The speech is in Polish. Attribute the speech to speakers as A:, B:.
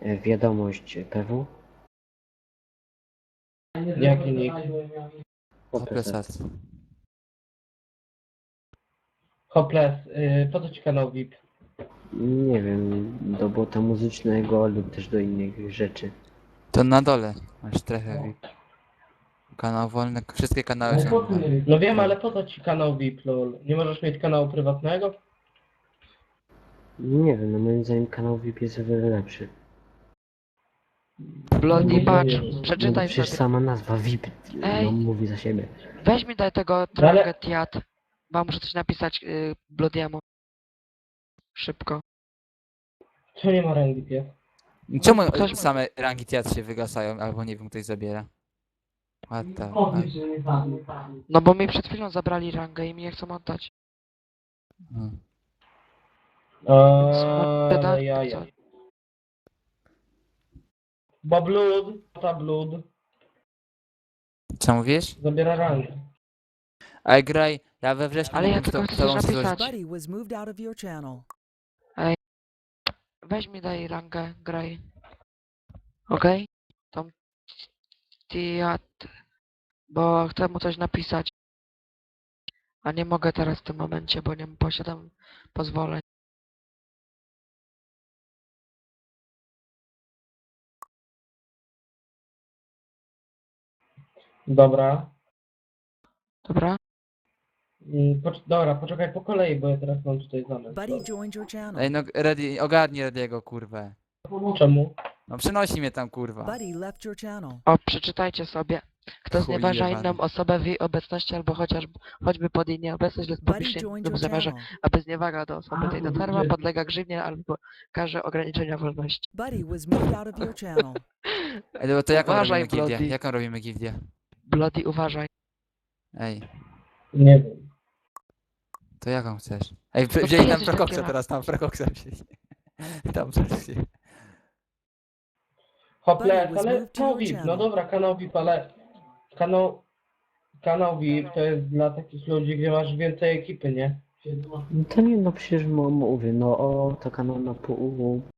A: wiadomość PW.
B: Jaki nick?
C: Hopeless.
B: Hopeless, po co ci kanał VIP?
A: Nie wiem, do bota muzycznego lub też do innych rzeczy.
C: To na dole masz strefę VIP. Kanał wolny, wszystkie kanały są wolne.
B: No wiem, ale po co ci kanał VIP, lol? Nie możesz mieć kanału prywatnego?
A: Nie wiem, no moim zdaniem kanał VIP jest o wiele lepszy.
D: Bloody patrz,
A: No
D: przeczytaj
A: przecież
D: sobie.
A: sama nazwa VIP
D: Ej.
A: no, mówi za siebie.
D: Weź mi daj tego
B: Ale-
D: Tranget Jad. Bo muszę coś napisać Bloody'emu. Szybko.
B: Co nie ma rangi pies?
C: Czemu
D: Ktoś-
C: same rangi teatr się wygasają, albo nie wiem, ktoś zabiera? What the fuck?
D: No bo mi przed chwilą zabrali rangę i mi nie chcą oddać.
C: Hmm.
B: Ale jaja. Bo Blood, ta Blood,
C: Co mówisz?
B: zabiera rangę.
C: Ej, graj, ja we wrześniu
D: Ale
C: nie
D: ja
C: wiem,
D: tylko
C: kto
D: chcę coś
C: wam coś...
D: napisać.
E: Buddy was moved out of your channel.
D: Weź mi daj rangę, graj. Okej? Tą Tiat. Bo chcę mu coś napisać. A nie mogę teraz w tym momencie, bo nie posiadam pozwoleń.
B: Dobra.
D: Dobra?
B: Dobra, poczekaj po kolei, bo ja teraz mam tutaj zamysł.
E: Buddy joined your channel.
C: Ej, no, Ready, ogarnij Rediego, kurwę.
B: Czemu?
C: No, przenosi mnie tam, kurwa.
E: Buddy left your channel.
D: O, przeczytajcie sobie. Kto
C: Chuj
D: znieważa
C: jebany.
D: inną osobę w jej obecności albo choćby pod jej nieobecność lub
E: Buddy
D: publicznie
E: joined
D: lub
E: your
D: zamierza,
E: channel.
D: aby zniewaga do osoby tej dotarła, podlega grzywnie albo karze ograniczenia wolności.
E: Buddy was moved out of your channel.
C: Ej, to jaką
D: Uważaj,
C: robimy gildię?
D: Bloody.
C: Jaką robimy gildię?
D: Bloody, uważaj.
C: Ej,
B: Nie wiem.
C: to jaką chcesz? Ej,
D: ty
C: wzięli nam
D: jesteś
C: Prokoksa
D: taki
C: teraz, tam Prokoksa wzięli. Tam wzięli.
B: Hopeless,
E: Buddy was
B: ale
E: moved to
B: kanał
E: your
B: VIP, no
E: channel.
B: dobra, kanał VIP, ale kanał VIP to jest dla takich ludzi, gdzie masz więcej ekipy, nie?
A: No to nie, no przecież mówię, no o, to kanał na pół